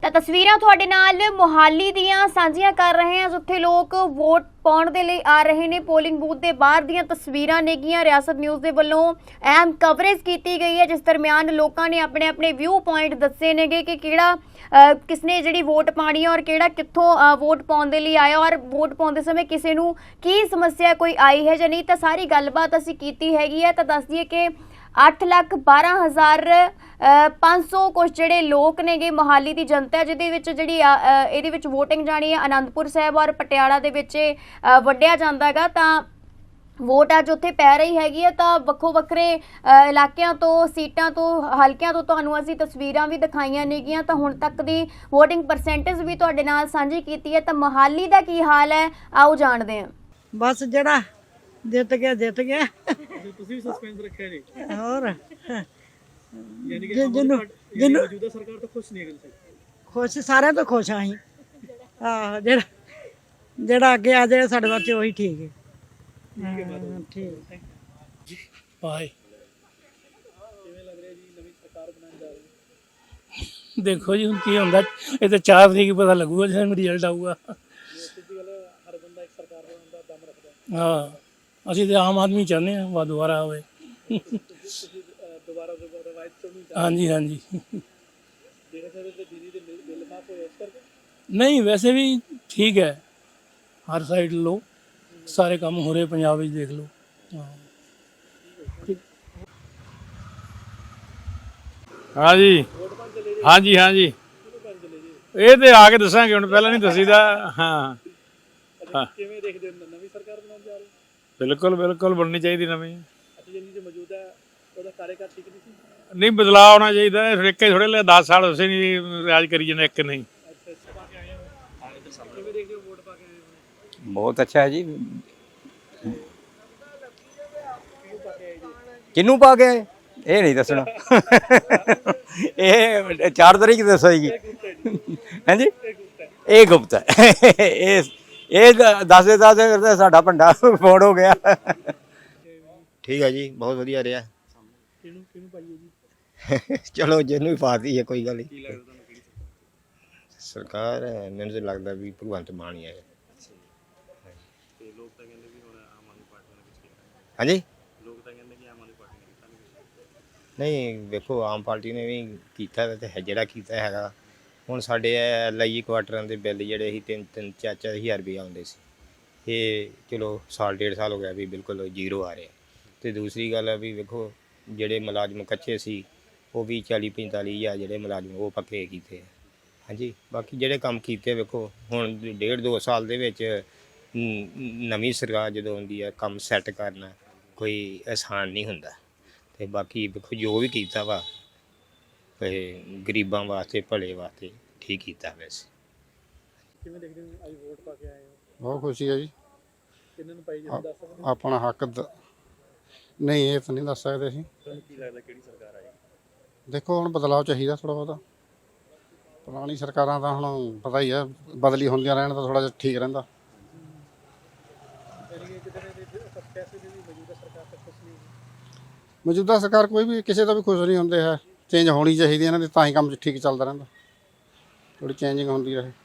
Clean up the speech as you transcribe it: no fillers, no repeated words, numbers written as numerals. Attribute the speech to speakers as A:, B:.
A: ਤਾਂ ਤਸਵੀਰਾਂ ਤੁਹਾਡੇ ਨਾਲ ਮੁਹਾਲੀ ਦੀਆਂ ਸਾਂਝੀਆਂ ਕਰ ਰਹੇ ਹਾਂ, ਜਿੱਥੇ ਲੋਕ ਵੋਟ ਪਾਉਣ ਦੇ ਲਈ ਆ ਰਹੇ ਨੇ। ਪੋਲਿੰਗ ਬੂਥ ਦੇ ਬਾਹਰ ਦੀਆਂ ਤਸਵੀਰਾਂ ਨੇਗੀਆਂ। ਰਿਆਸਤ ਨਿਊਜ਼ ਦੇ ਵੱਲੋਂ ਅਹਿਮ ਕਵਰੇਜ ਕੀਤੀ ਗਈ ਹੈ, ਜਿਸ ਦਰਮਿਆਨ ਲੋਕਾਂ ਨੇ ਆਪਣੇ ਆਪਣੇ ਵਿਊ ਪੁਆਇੰਟ ਦੱਸੇ ਨੇਗੇ ਕਿ ਕਿਹੜਾ ਕਿਸਨੇ ਜਿਹੜੀ ਵੋਟ ਪਾਣੀ ਹੈ ਔਰ ਕਿਹੜਾ ਕਿੱਥੋਂ ਵੋਟ ਪਾਉਣ ਦੇ ਲਈ ਆਇਆ, ਔਰ ਵੋਟ ਪਾਉਂਦੇ ਸਮੇਂ ਕਿਸੇ ਨੂੰ ਕੀ ਸਮੱਸਿਆ ਕੋਈ ਆਈ ਹੈ ਜਾਂ ਨਹੀਂ। ਤਾਂ ਸਾਰੀ ਗੱਲਬਾਤ ਅਸੀਂ ਕੀਤੀ ਹੈਗੀ ਹੈ। ਤਾਂ ਦੱਸ ਦਈਏ ਕਿ 8,12,500 ਕੁਛ ਜਿਹੜੇ ਲੋਕ ਨੇਗੇ ਮੁਹਾਲੀ ਦੀ ਜਨਤਾ, ਜਿਹਦੇ ਵਿੱਚ ਜਿਹੜੀ ਇਹਦੇ ਵਿੱਚ ਵੋਟਿੰਗ ਜਾਣੀ ਹੈ ਅਨੰਦਪੁਰ ਸਾਹਿਬ ਔਰ ਪਟਿਆਲਾ ਦੇ ਵਿੱਚ ਵੱਢਿਆ ਜਾਂਦਾ ਹੈਗਾ। ਤਾਂ ਵੋਟ ਅੱਜ ਉੱਥੇ ਪੈ ਰਹੀ ਹੈਗੀ ਹੈ। ਤਾਂ ਵੱਖੋ ਵੱਖਰੇ ਇਲਾਕਿਆਂ ਤੋਂ, ਸੀਟਾਂ ਤੋਂ, ਹਲਕਿਆਂ ਤੋਂ ਤੁਹਾਨੂੰ ਅਸੀਂ ਤਸਵੀਰਾਂ ਵੀ ਦਿਖਾਈਆਂ ਨੇਗੀਆਂ। ਤਾਂ ਹੁਣ ਤੱਕ ਦੀ ਵੋਟਿੰਗ ਪਰਸੈਂਟੇਜ ਵੀ ਤੁਹਾਡੇ ਨਾਲ ਸਾਂਝੀ ਕੀਤੀ ਹੈ। ਤਾਂ ਮੁਹਾਲੀ ਦਾ ਕੀ ਹਾਲ ਹੈ, ਆਓ ਜਾਣਦੇ ਹਾਂ।
B: ਬਸ ਜਿਹੜਾ ਜਿੱਤ ਗਿਆ
C: ਤੁਸੀਂ ਵੀ ਸਸਪੈਂਸ ਰੱਖਿਆ ਜੀ।
B: ਹੋਰ
C: ਯਾਨੀ ਕਿ
B: ਜਿਹਨੂੰ
C: ਮੌਜੂਦਾ ਸਰਕਾਰ ਤੋਂ ਖੁਸ਼ ਨਹੀਂ ਹੈਗੇ ਤੁਸੀਂ?
B: ਖੁਸ਼, ਸਾਰਿਆਂ ਤੋਂ ਖੁਸ਼ ਆਂ ਅਸੀਂ। ਆਹ ਜਿਹੜਾ ਅੱਗੇ ਆ ਜਾਏ ਸਾਡੇ ਵਾਸਤੇ ਉਹੀ ਠੀਕ ਹੈ। ਠੀਕ
D: ਭਾਈ
C: ਕਿਵੇਂ ਲੱਗ ਰਿਹਾ ਜੀ ਨਵੀਂ ਸਰਕਾਰ ਬਣਾਉਣ ਜਾ ਰਹੀ?
D: ਦੇਖੋ ਜੀ ਹੁਣ ਕੀ ਹੁੰਦਾ, ਇਹ ਤਾਂ 4 ਤਰੀਕ ਪਤਾ ਲੱਗੂਗਾ ਜਦੋਂ ਰਿਜ਼ਲਟ ਆਊਗਾ।
C: ਸਿੱਧੀ ਗੱਲ ਹੈ, ਹਰ ਬੰਦਾ ਇੱਕ ਸਰਕਾਰ ਬਣਾਉਣ ਦਾ ਦਮ ਰੱਖਦਾ।
D: ਹਾਂ, ਅਸੀਂ ਤਾਂ ਆਮ ਆਦਮੀ ਚਾਹੁੰਦੇ ਹਾਂ ਵਾ ਦੁਬਾਰਾ ਆਵੇ।
C: ਤੁਸੀਂ ਦੁਬਾਰਾ ਰਵਾਇਤ ਤੋਂ ਨਹੀਂ ਚਾਹੁੰਦੇ?
D: ਹਾਂਜੀ ਹਾਂਜੀ।
C: ਜਿਹੜੇ ਸਾਰੇ ਤੇ ਬਿਜਲੀ ਦੇ ਬਿੱਲ ਮਾਫ ਹੋਏ ਇਸ ਕਰਕੇ?
D: ਨਹੀਂ, ਵੈਸੇ ਵੀ ਠੀਕ ਹੈ, ਹਰ ਸਾਈਡ ਲੋ ਸਾਰੇ ਕੰਮ ਹੋ ਰਹੇ ਪੰਜਾਬ ਵਿੱਚ, ਦੇਖ ਲਓ। ਹਾਂ
E: ਹਾਂਜੀ ਹਾਂਜੀ ਹਾਂਜੀ, ਇਹ ਤੇ ਆ ਕੇ ਦੱਸਾਂਗੇ, ਹੁਣ ਪਹਿਲਾਂ ਨਹੀਂ ਦੱਸੀਦਾ। ਹਾਂ
C: ਕਿਵੇਂ ਦੇਖਦੇ ਹੋ ਨਵੀਂ ਸਰਕਾਰ ਬਣਾਉਣ ਜਾ ਰਹੀ?
E: ਬਿਲਕੁਲ ਬਿਲਕੁਲ ਬਣਨੀ ਚਾਹੀਦੀ ਨਵੀਂ।
C: ਅੱਛਾ, ਜਿਹੜੀ ਜੋ ਮੌਜੂਦਾ ਉਹਦਾ ਕਾਰਜਕਾਲ ਠੀਕ ਨਹੀਂ ਸੀ?
E: ਨਹੀਂ, ਬਦਲਾਅ ਹੋਣਾ ਚਾਹੀਦਾ। ਇੱਕ ਥੋੜੇ ਲੈ 10 ਸਾਲ ਉਸੇ ਨਹੀਂ ਰਾਜ ਕਰੀ ਜਾਂਦੇ, ਇੱਕ ਨਹੀਂ।
C: ਅੱਛਾ, ਪਾ ਕੇ ਆਏ ਹੋ? ਕਿਵੇਂ ਦੇਖਦੇ ਹੋ ਵੋਟ ਪਾ ਕੇ ਆਏ ਹੋ?
F: ਬਹੁਤ ਅੱਛਾ ਹੈ ਜੀ।
C: ਕਿਉਂ ਪਾ ਕੇ ਆਏ ਜੀ?
F: ਕਿਹਨੂੰ ਪਾ ਕੇ ਇਹ ਨਹੀਂ ਦੱਸਣਾ। ਇਹ 4 ਤਰੀਕ ਦੱਸੇਗੀ। ਹਾਂਜੀ, ਇਹ ਗੁਪਤ ਹੈ। ਇਹ ਦੱਸ ਦੇ ਸਾਡਾ ਭੰਡਾ ਫੋੜ ਹੋ ਗਿਆ।
G: ਠੀਕ ਹੈ ਜੀ, ਬਹੁਤ ਵਧੀਆ ਰਿਹਾ।
C: ਕਿਹਨੂੰ ਪਾਈਏ ਜੀ?
G: ਚਲੋ ਜਿਹਨੂੰ ਵੀ ਪਾਤੀ ਹੈ, ਕੋਈ ਗੱਲ ਨਹੀਂ।
C: ਕੀ ਲੱਗਦਾ ਤੁਹਾਨੂੰ ਕਿਹੜੀ
G: ਸਰਕਾਰ ਮੈਨੂੰ ਤਾਂ ਲੱਗਦਾ ਵੀ ਭਗਵੰਤ ਮਾਨ ਹੀ ਹੈ।
C: ਤੇ ਲੋਕ ਤਾਂ ਕਹਿੰਦੇ ਵੀ ਹੁਣ ਆਮ ਆਦਮੀ ਪਾਰਟੀ ਨੇ ਕੁਝ ਕੀਤਾ?
G: ਹਾਂਜੀ,
C: ਲੋਕ ਤਾਂ ਕਹਿੰਦੇ ਕਿ ਆਮ ਆਦਮੀ ਪਾਰਟੀ ਨੇ ਕੀਤਾ ਨਹੀਂ।
G: ਨਹੀਂ ਵੇਖੋ, ਆਮ ਪਾਰਟੀ ਨੇ ਵੀ ਕੀਤਾ ਤੇ ਜਿਹੜਾ ਕੀਤਾ ਹੈਗਾ। ਹੁਣ ਸਾਡੇ LIE ਕੁਆਟਰਾਂ ਦੇ ਬਿੱਲ ਜਿਹੜੇ ਸੀ 3-4 ਹਜ਼ਾਰ ਰੁਪਏ ਆਉਂਦੇ ਸੀ, ਇਹ ਚਲੋ ਸਾਲ 1.5 ਸਾਲ ਹੋ ਗਿਆ ਵੀ ਬਿਲਕੁਲ ਜ਼ੀਰੋ ਆ ਰਿਹਾ। ਤੇ ਦੂਸਰੀ ਗੱਲ ਆ ਵੀ ਵੇਖੋ, ਜਿਹੜੇ ਮੁਲਾਜ਼ਮ ਕੱਚੇ ਸੀ ਉਹ ਵੀ 40-45 ਹਜ਼ਾਰ ਜਿਹੜੇ ਮੁਲਾਜ਼ਮ ਉਹ ਪੱਕੇ ਕੀਤੇ। ਹਾਂਜੀ, ਬਾਕੀ ਜਿਹੜੇ ਕੰਮ ਕੀਤੇ ਵੇਖੋ, ਹੁਣ 1.5-2 ਸਾਲ ਦੇ ਵਿੱਚ ਨਵੀਂ ਸਰਕਾਰ ਜਦੋਂ ਆਉਂਦੀ ਹੈ, ਕੰਮ ਸੈੱਟ ਕਰਨਾ ਕੋਈ ਆਸਾਨ ਨਹੀਂ ਹੁੰਦਾ। ਤੇ ਬਾਕੀ ਵੇਖੋ ਜੋ ਵੀ ਕੀਤਾ ਵਾ ਗਰੀਬਾਂ ਵਾਸਤੇ, ਭਲੇ ਵਾਸਤੇ ਠੀਕ ਕੀਤਾ। ਵੈਸੇ
C: ਕਿਵੇਂ ਦੇਖਦੇ ਹੋ ਅੱਜ ਵੋਟ ਪਾ ਕੇ ਆਏ ਹੋ?
H: ਬਹੁਤ ਖੁਸ਼ੀ ਹੈ ਜੀ।
C: ਕਿਹਨਾਂ ਨੂੰ ਪਾਈ ਜੀ ਦੱਸ ਸਕਦੇ ਹੋ?
H: ਆਪਣਾ ਹੱਕ ਨਹੀਂ, ਇਹ ਤਾਂ ਨਹੀਂ ਦੱਸ ਸਕਦੇ ਅਸੀਂ।
C: ਤੁਹਾਨੂੰ ਕੀ ਲੱਗਦਾ ਕਿਹੜੀ ਸਰਕਾਰ ਆਏਗੀ?
H: ਦੇਖੋ ਹੁਣ ਬਦਲਾਅ ਚਾਹੀਦਾ ਥੋੜ੍ਹਾ ਬਹੁਤਾ। ਪੁਰਾਣੀ ਸਰਕਾਰਾਂ ਤਾਂ ਹੁਣ ਪਤਾ ਹੀ ਹੈ, ਬਦਲੀ ਹੁੰਦੀਆਂ ਰਹਿਣ ਤਾਂ ਥੋੜ੍ਹਾ ਜਿਹਾ ਠੀਕ ਰਹਿੰਦਾ। ਮੌਜੂਦਾ ਸਰਕਾਰ ਕੋਈ ਵੀ ਕਿਸੇ ਦਾ ਵੀ ਖੁਸ਼ ਨਹੀਂ ਹੁੰਦੇ ਹੈ। ਚੇਂਜ ਹੋਣੀ ਚਾਹੀਦੀ ਇਹਨਾਂ ਦੀ, ਤਾਂ ਹੀ ਕੰਮ ਠੀਕ ਚੱਲਦਾ ਰਹਿੰਦਾ। ਥੋੜ੍ਹੀ ਚੇਂਜਿੰਗ ਹੁੰਦੀ ਰਹੇ।